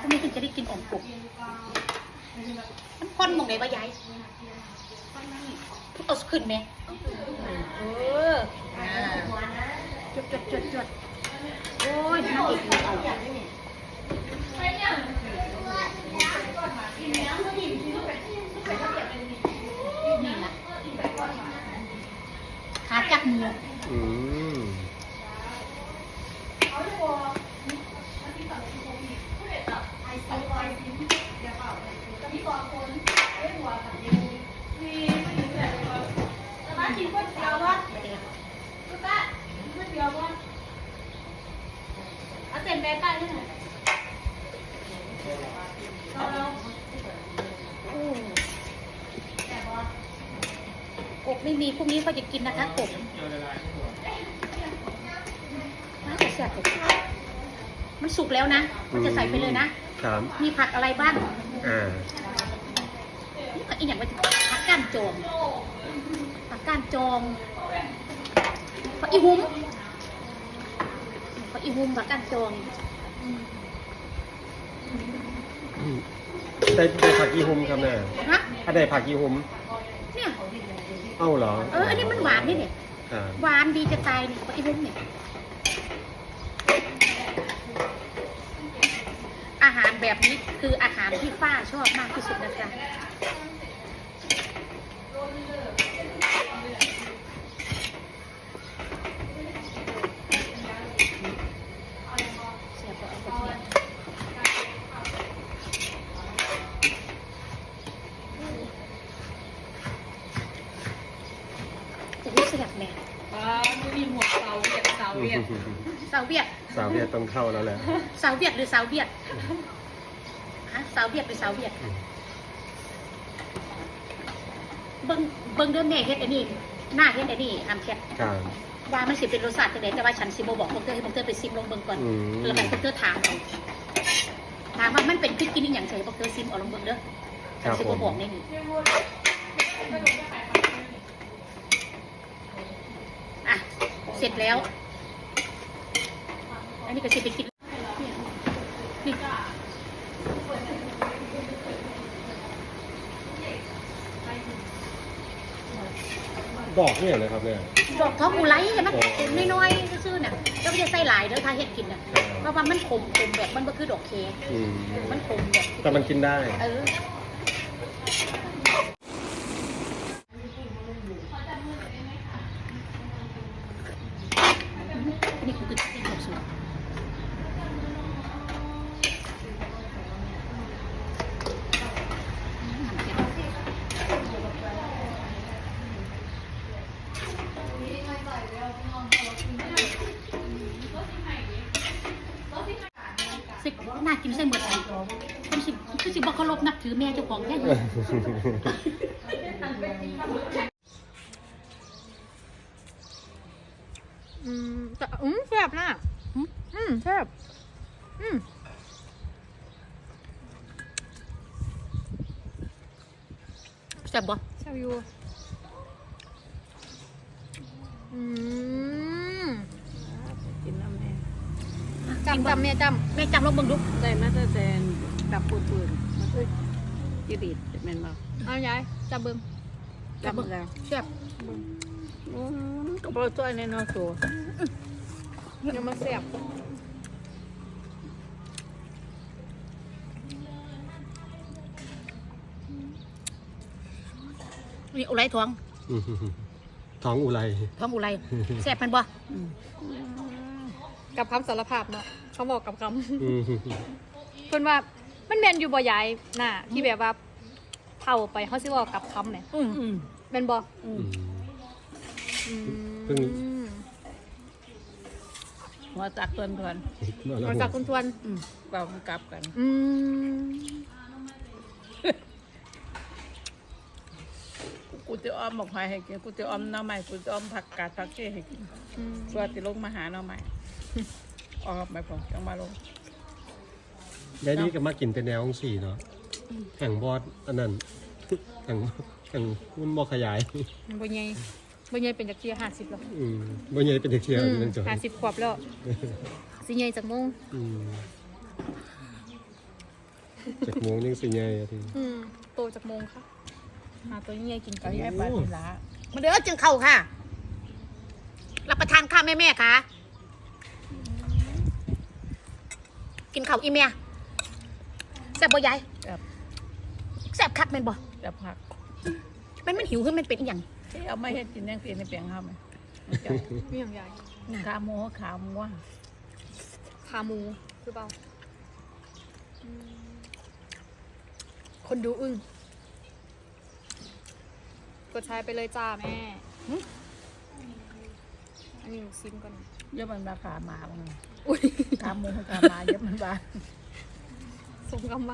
ำไมถึงจะได้กินอ่อมกบมันค่อนมองไหนวะยายเอาขึ้นไหมจดโอ้ยน่าเอกเอานี่นะขาจักหมูเอาเต็มไปป้าเนี่ยกบไม่มีพรุ่งนี้เขาจะกินนะคะกบน่าจะแซ่บกบมันสุกแล้วนะมันจะใส่ไปเลยนะมีผักอะไรบ้างอีกอย่างว่าผักก้านจองผักอีหุ้มผักก้านจองได้ผักอีหุ้มครับแม่ได้ผักอีหุ้มเนี่ยเอ้าเหรออันนี้มันหวานนี่เนี่ยหวานดีจะตายเนี่ยผักอีหุ้มเนี่ยอาหารแบบนี้คืออาหารที่ฝ้าชอบมากที่สุดนะจ๊ะเสียบแม่ไม่มีหมวกสาวเวียดต้องเข้าแล้วแหละสาวเวียดหรือสาวเวียดฮะสาวเวียดหรือสาวเวียดเบิ้งเดิมแม่เฮ็ดอันนี้หน้าเฮ็ดอันนี้ทำแค่ว่ามันสิเป็นรสชาติจังได๋แต่ว่าฉันสิบ่บอกพวกเธอให้พวกเธอไปซิมลงเบิ่งก่อนแล้วให้พวกเธอถามว่ามันเป็นพริกกินอีหยังใส่พวกเธอซิมเอาลงเบิ่งเด้อฉันสิบ่บอกในนี้อ่ะเสร็จแล้วอันนี้ก็สิไปกินนี่ดอกเนี่ยนะครับเนี่ยดอกท้องอุไรใช่ไหมน้อยๆซื่อๆน่ะก็ไม่ได้ใส่หลายเด้อถ้าเฮ็ดกินน่ะเพราะว่ามันขมแบบมันก็คือดอกเคมันขมแบบแต่มันกินได้นี่คือกินแบบสุดสิน่ากินใส่หมดเลยคือสิบอกเคารพนับถือแม่เจ้าของแค่ไหนแต่แซ่บนะแซ่บแซ่บบ่แซ่บอยู่กินน้ำแม่จำแม่จำลองเบิ่งดูได้มาแต่ดับปืนมันคือจีดีดแม่นบ่เอายายจำเบิ่งแล้วแซ่บก็บ่ตัวในนอโซยังมาแซ่บนี่อุไรท้องอุไรแซ่บมันบ่กับคำสารภาพเนาะเขาบอกกับคำเพิ่นว่ามันแม่นอยู่บ่ยายน่ะที่แบบว่าเท่าไปเขาสิบอกกับคำเนี่ยแม่นบ่หัวจักทวนหัวจักทวนเปล่ากลับกันกูจะอ้อมหมกหอยให้กินกูจะอ้อมหน่อไม้กูจะอ้อมผักกาดผักเชี่ยให้กินตัวติลงมาหาหน่อไม้อ้อมไม่พอจังมาลงยายนี่ก็มากินเป็นแนวของสี่เนาะแข่งบอสอันนั้นแข่งมันบอขยายบ่ใหญ่เป็นจักเชีย50แล้วบ่ใหญ่เป็นจักเชียเป็นจัง50ขวบแล้วสิใหญ่จักโมงจากโมงยังสิใหญ่อะทีโตจากโมงค่ะหาตัวยังไงกินก็กันย้ายไปทีละมาเด้อจึงเข้าค่ะ รับประทานข้าวแม่ๆค่ะ กินข้าวอีเมียแซ่บบ่ยายแบบแซ่บคักแม่นบ่แบบผักมันหิวขึ้นมันเป็นอีหยังที่เอาไม่เฮ็ดกินยังกินในเปียงเฮาไหมมีอย่างใหญ่ขาหมูขาหมูขาหมูคือเปล่าคนดูอึ้งกดใช้ไปเลยจ้าแม่อันนี้หนูซิมก่อนเยอะมันราคาหมาบ้างอุ้ยขาหมูขาหมาเยอะมันบ้าส่งกำมา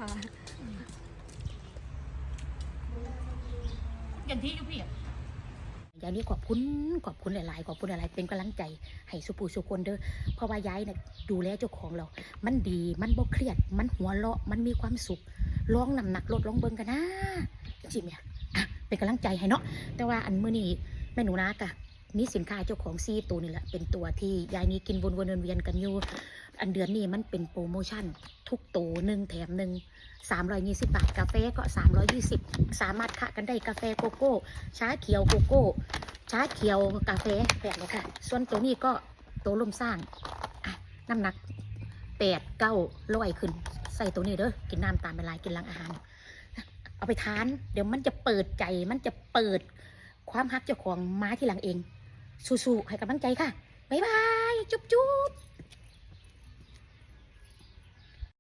อย่างที่อยู่พี่ยายนี่ขอบคุณหลายๆขอบคุณหลายๆเป็นกำลังใจให้สุปูสุคนเด้อเพราะว่ายายเนี่ยดูแลเจ้าของเรา มันดีมันบ่เครียด มันหัวเราะมันมีความสุขลองน้ำหนักลดลองเบิ่งกันนะจริงๆเนี่ยอ่ะเป็นกำลังใจให้เนาะแต่ว่าอันมื้อนี้แม่หนูนะกะมีสินค้าเจ้าของ4ตัวนี่แหละเป็นตัวที่ยายนี้กินวนๆเวียนๆกันอยู่อันเดือนนี้มันเป็นโปรโมชั่นทุกตัว1แถม1 320 บาทกาแฟก็320สามารถคะกันได้กาแฟโกโก้ชาเขียวโกโก้ชาเขียวกาแฟแบบนี้ค่ะส่วนตัวนี้ก็ตัวลมสร้างอ่ะน้ำหนัก8-900ขึ้นใส่ตัวนี้เด้อกินน้ำตามเวลากินหลังอาหารเอาไปทานเดี๋ยวมันจะเปิดใจมันจะเปิดความฮักเจ้าของมาที่หลังเองสู้ๆให้กำลังใจค่ะบ๊ายบายจุ๊บ